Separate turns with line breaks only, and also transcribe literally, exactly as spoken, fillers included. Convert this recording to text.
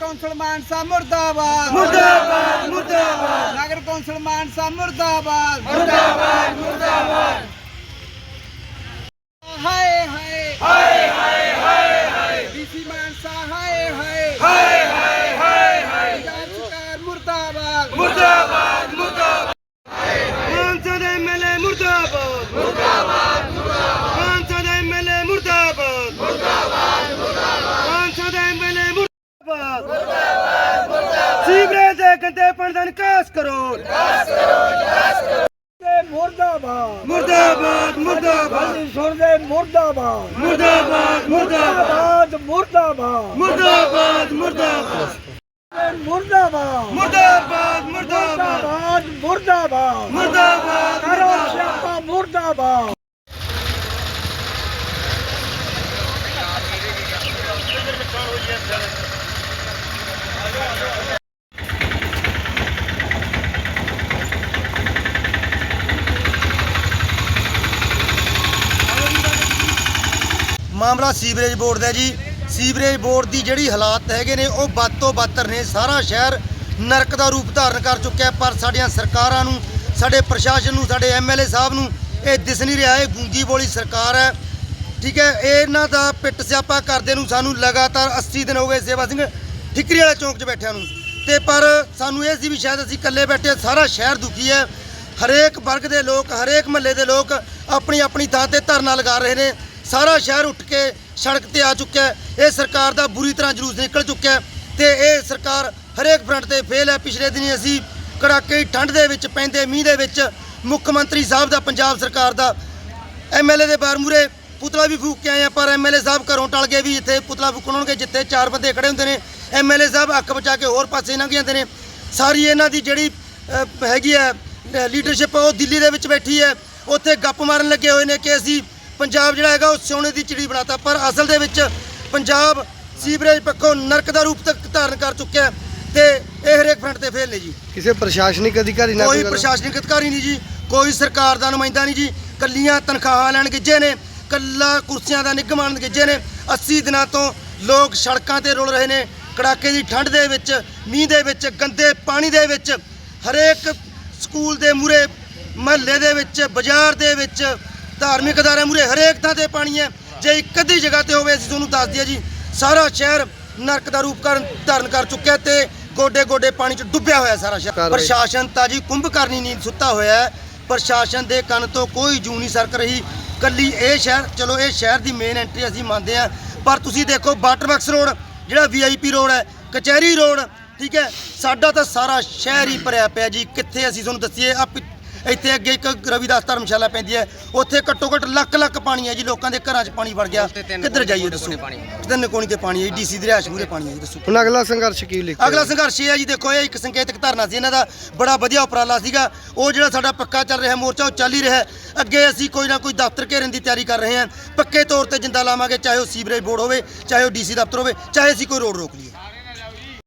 Council मानसा मुर्दाबाद
मुर्दाबाद मुर्दाबाद
नगर कौंसल मानसा मुर्दाबाद
मुर्दाबाद मुर्दाबाद
हाय हाय
हाय हाय हाय हाय
डीसी मानसा हाय हाय
हाय हाय हाय हाय
पंजाब सरकार मुर्दाबाद
मुर्दाबाद मुर्दाबाद सांसद एमएलए मुर्दाबाद मुर्दाबाद मुर्दाबाद सांसद एमएलए मुर्दाबाद मुर्दाबाद मुर्दाबाद सांसद एमएलए मुर्दाबाद मुर्दाबाद मुर्दाबाद सीवरेज दे गंदे पानी दा निकास करो निकास करो निकास करो
मुर्दाबाद
मुर्दाबाद मुर्दाबाद
सुन दे मुर्दाबाद
मुर्दाबाद मुर्दाबाद
मुर्दाबाद
मुर्दाबाद मुर्दाबाद
मुर्दाबाद
मुर्दाबाद मुर्दाबाद
मुर्दाबाद मुर्दाबाद
मुर्दाबाद
करो स्यापा मुर्दाबाद
ਮਾਮਲਾ ਸੀਵਰੇਜ ਬੋਰਡ ਦਾ ਜੀ। ਸੀਵਰੇਜ ਬੋਰਡ ਦੀ ਜਿਹੜੀ ਹਾਲਾਤ ਹੈਗੇ ਨੇ ਉਹ ਵੱਧ ਤੋਂ ਬੱਤਰ ਨੇ। ਸਾਰਾ ਸ਼ਹਿਰ ਨਰਕ ਦਾ ਰੂਪ ਧਾਰਨ ਕਰ ਚੁੱਕਿਆ, ਪਰ ਸਾਡੀਆਂ ਸਰਕਾਰਾਂ ਨੂੰ, ਸਾਡੇ ਪ੍ਰਸ਼ਾਸਨ ਨੂੰ, ਸਾਡੇ ਐਮਐਲਏ ਸਾਹਿਬ ਨੂੰ ਇਹ ਦਿਸ ਨਹੀਂ ਰਿਹਾ। ਇਹ ਗੂੰਗੀ ਬੋਲੀ ਸਰਕਾਰ ਹੈ, ਠੀਕ ਹੈ। ਇਹਨਾਂ ਦਾ ਪਿੱਟ ਸਿਆਪਾ ਕਰਦੇ ਨੂੰ ਸਾਨੂੰ ਲਗਾਤਾਰ अस्सी ਦਿਨ ਹੋ ਗਏ ਸੇਵਾ ਸਿੰਘ ਠਿਕਰੀ ਵਾਲੇ ਚੌਂਕ 'ਚ ਬੈਠਿਆਂ ਨੂੰ, ਤੇ ਪਰ ਸਾਨੂੰ ਇਹ ਸੀ ਵੀ ਸ਼ਾਇਦ ਅਸੀਂ ਇਕੱਲੇ ਬੈਠੇ। ਸਾਰਾ ਸ਼ਹਿਰ ਦੁਖੀ ਹੈ। ਹਰੇਕ ਵਰਗ ਦੇ ਲੋਕ, ਹਰੇਕ ਮਹੱਲੇ ਦੇ ਲੋਕ ਆਪਣੀ ਆਪਣੀ ਥਾਂ ਤੇ ਧਰਨਾ ਲਗਾ ਰਹੇ ਨੇ। ਸਾਰਾ ਸ਼ਹਿਰ ਉੱਠ ਕੇ ਸੜਕ ਤੇ ਆ ਚੁੱਕਿਆ ਹੈ। ਇਹ ਸਰਕਾਰ ਦਾ ਬੁਰੀ ਤਰ੍ਹਾਂ ਜਲੂਸ ਨਿਕਲ ਚੁੱਕਿਆ ਹੈ ਤੇ ਇਹ ਸਰਕਾਰ ਹਰੇਕ ਫਰੰਟ ਤੇ ਫੇਲ ਹੈ। ਪਿਛਲੇ ਦਿਨੀ ਅਸੀਂ ਕੜਾਕੇ ਠੰਡ ਦੇ ਵਿੱਚ ਪੈਂਦੇ ਮੀਂਹ ਦੇ ਵਿੱਚ ਮੁੱਖ ਮੰਤਰੀ ਸਾਹਿਬ ਦਾ, ਪੰਜਾਬ ਸਰਕਾਰ ਦਾ, ਐਮਐਲਏ ਦੇ ਬਾਰ ਮੂਹਰੇ ਪੁਤਲਾ ਵੀ ਫੂਕ ਕੇ ਆਏ ਆ, ਪਰ ਐਮਐਲਏ ਸਾਹਿਬ ਘਰੋਂ ਟਲ ਗਏ ਵੀ ਇੱਥੇ ਪੁਤਲਾ ਫੂਕਣ ਹੋਣਗੇ ਜਿੱਥੇ ਚਾਰ ਬੰਦੇ ਖੜੇ ਹੁੰਦੇ ਨੇ। ਐਮਐਲਏ ਸਾਹਿਬ ਅੱਖ ਬਚਾ ਕੇ ਹੋਰ ਪਾਸੇ ਲੰਘ ਜਾਂਦੇ ਨੇ। ਸਾਰੀ ਇਹਨਾਂ ਦੀ ਜਿਹੜੀ ਅ, ਹੈਗੀ ਹੈ ਲੀਡਰਸ਼ਿਪ, ਉਹ ਦਿੱਲੀ ਦੇ ਵਿੱਚ ਬੈਠੀ ਹੈ। ਉੱਥੇ ਗੱਪ ਮਾਰਨ ਲੱਗੇ ਹੋਏ ਨੇ ਕਿ ਅਸੀਂ ਪੰਜਾਬ ਜਿਹੜਾ ਹੈਗਾ ਉਹ ਸੋਨੇ ਦੀ ਚਿੜੀ ਬਣਾਤਾ, ਪਰ ਅਸਲ ਦੇ ਵਿੱਚ ਪੰਜਾਬ ਸੀਵਰੇਜ ਪੱਖੋਂ ਨਰਕ ਦਾ ਰੂਪ ਤੱਕ ਧਾਰਨ ਕਰ ਚੁੱਕਿਆ ਹੈ ਤੇ ਇਹ ਹਰੇਕ ਫਰੰਟ ਤੇ ਫੇਲ ਨੇ ਜੀ।
ਕਿਸੇ ਪ੍ਰਸ਼ਾਸਨਿਕ ਅਧਿਕਾਰੀ ਨਾਲ
ਕੋਈ ਪ੍ਰਸ਼ਾਸਨਿਕ ਅਧਿਕਾਰੀ ਨਹੀਂ ਜੀ, ਕੋਈ ਸਰਕਾਰ ਦਾ ਨੁਮਾਇੰਦਾ ਨਹੀਂ ਜੀ। ਕੱਲੀਆਂ ਤਨਖਾਹਾਂ ਲੈਣ ਗਿੱਜੇ ਨੇ, ਕੱਲਾ ਕੁਰਸੀਆਂ ਦਾ ਨਿਗਮਾਨ ਗਿੱਜੇ ਨੇ। अस्सी ਦਿਨਾਂ ਤੋਂ ਲੋਕ ਸੜਕਾਂ ਤੇ ਰੁਲ ਰਹੇ ਨੇ, ਕੜਾਕੇ ਦੀ ਠੰਡ ਦੇ ਵਿੱਚ, ਮੀਂਹ ਦੇ ਵਿੱਚ, ਗੰਦੇ ਪਾਣੀ ਦੇ ਵਿੱਚ। ਹਰੇਕ ਸਕੂਲ ਦੇ ਮੂਹਰੇ, ਮਹੱਲੇ ਦੇ ਵਿੱਚ, ਬਾਜ਼ਾਰ ਦੇ ਵਿੱਚ, ਧਾਰਮਿਕ ਅਦਾਰਿਆਂ ਮੂਹਰੇ, ਹਰੇਕ ਥਾਂ ਤੇ ਪਾਣੀ ਹੈ। ਜੇ ਇੱਕ ਅੱਧੀ ਜਗ੍ਹਾ ਤੇ ਹੋਵੇ ਅਸੀਂ ਤੁਹਾਨੂੰ ਦੱਸ ਦਈਏ ਜੀ, ਸਾਰਾ ਸ਼ਹਿਰ ਨਰਕ ਦਾ ਰੂਪ ਕਰਨ ਧਾਰਨ ਕਰ ਚੁੱਕਿਆ ਤੇ ਗੋਡੇ ਗੋਡੇ ਪਾਣੀ 'ਚ ਡੁੱਬਿਆ ਹੋਇਆ ਸਾਰਾ ਸ਼ਹਿਰ। ਪ੍ਰਸ਼ਾਸਨ ਤਾਂ ਜੀ ਕੁੰਭਕਰਨੀ ਨੀਂਦ ਸੁੱਤਾ ਹੋਇਆ ਹੈ। ਪ੍ਰਸ਼ਾਸਨ ਦੇ ਕੰਨ ਤੋਂ ਕੋਈ ਜੂ ਨਹੀਂ ਸਰਕ ਰਹੀ। ਕੱਲੀ ਇਹ ਸ਼ਹਿਰ, ਚਲੋ ਇਹ ਸ਼ਹਿਰ ਦੀ ਮੇਨ ਐਂਟਰੀ ਅਸੀਂ ਮੰਨਦੇ ਹਾਂ, ਪਰ ਤੁਸੀਂ ਦੇਖੋ ਵਾਟਰਵਰਕਸ ਰੋਡ, ਜਿਹੜਾ ਵੀਆਈਪੀ ਰੋਡ ਹੈ, ਕਚਹਿਰੀ ਰੋਡ, ਠੀਕ ਹੈ, ਸਾਡਾ ਤਾਂ ਸਾਰਾ ਸ਼ਹਿਰ ਹੀ ਭਰਿਆ ਪਿਆ ਜੀ। ਕਿੱਥੇ ਅਸੀਂ ਤੁਹਾਨੂੰ ਦੱਸੀਏ? ਆ ਇੱਥੇ ਅੱਗੇ ਇੱਕ ਰਵਿਦਾਸ ਧਰਮਸ਼ਾਲਾ ਪੈਂਦੀ ਹੈ, ਉੱਥੇ ਘੱਟੋ ਘੱਟ ਲੱਖ ਲੱਖ ਪਾਣੀ ਹੈ ਜੀ। ਲੋਕਾਂ ਦੇ ਘਰਾਂ 'ਚ ਪਾਣੀ ਵੜ ਗਿਆ, ਕਿੱਧਰ ਜਾਈਏ ਦੱਸੋ? ਤਿੰਨ ਕੋਣੀ ਤੇ ਪਾਣੀ ਹੈ, ਡੀਸੀ ਦੀ ਰਿਹਾਇਸ਼ ਮੂਹਰੇ ਪਾਣੀ ਹੈ ਜੀ, ਦੱਸੋ।
ਹੁਣ ਅਗਲਾ ਸੰਘਰਸ਼ ਕੀ ਲਿਖਿਆ?
ਅਗਲਾ ਸੰਘਰਸ਼ ਇਹ ਹੈ ਜੀ, ਦੇਖੋ ਇਹ ਇੱਕ ਸੰਕੇਤਕ ਧਰਨਾ ਸੀ ਇਹਨਾਂ ਦਾ, ਬੜਾ ਵਧੀਆ ਉਪਰਾਲਾ ਸੀਗਾ। ਉਹ ਜਿਹੜਾ ਸਾਡਾ ਪੱਕਾ ਚੱਲ ਰਿਹਾ ਮੋਰਚਾ, ਉਹ ਚੱਲ ਹੀ ਰਿਹਾ। ਅੱਗੇ ਅਸੀਂ ਕੋਈ ਨਾ ਕੋਈ ਦਫ਼ਤਰ ਘੇਰਨ ਦੀ ਤਿਆਰੀ ਕਰ ਰਹੇ ਹਾਂ। ਪੱਕੇ ਤੌਰ ਤੇ ਜਿੰਦਾ ਲਾਵਾਂਗੇ, ਚਾਹੇ ਉਹ ਸੀਵਰੇਜ ਬੋਰਡ ਹੋਵੇ, ਚਾਹੇ ਉਹ ਡੀਸੀ ਦਫ਼ਤਰ ਹੋਵੇ, ਚਾਹੇ ਅਸੀਂ ਕੋਈ ਰੋਡ ਰੋਕ ਲਈਏ।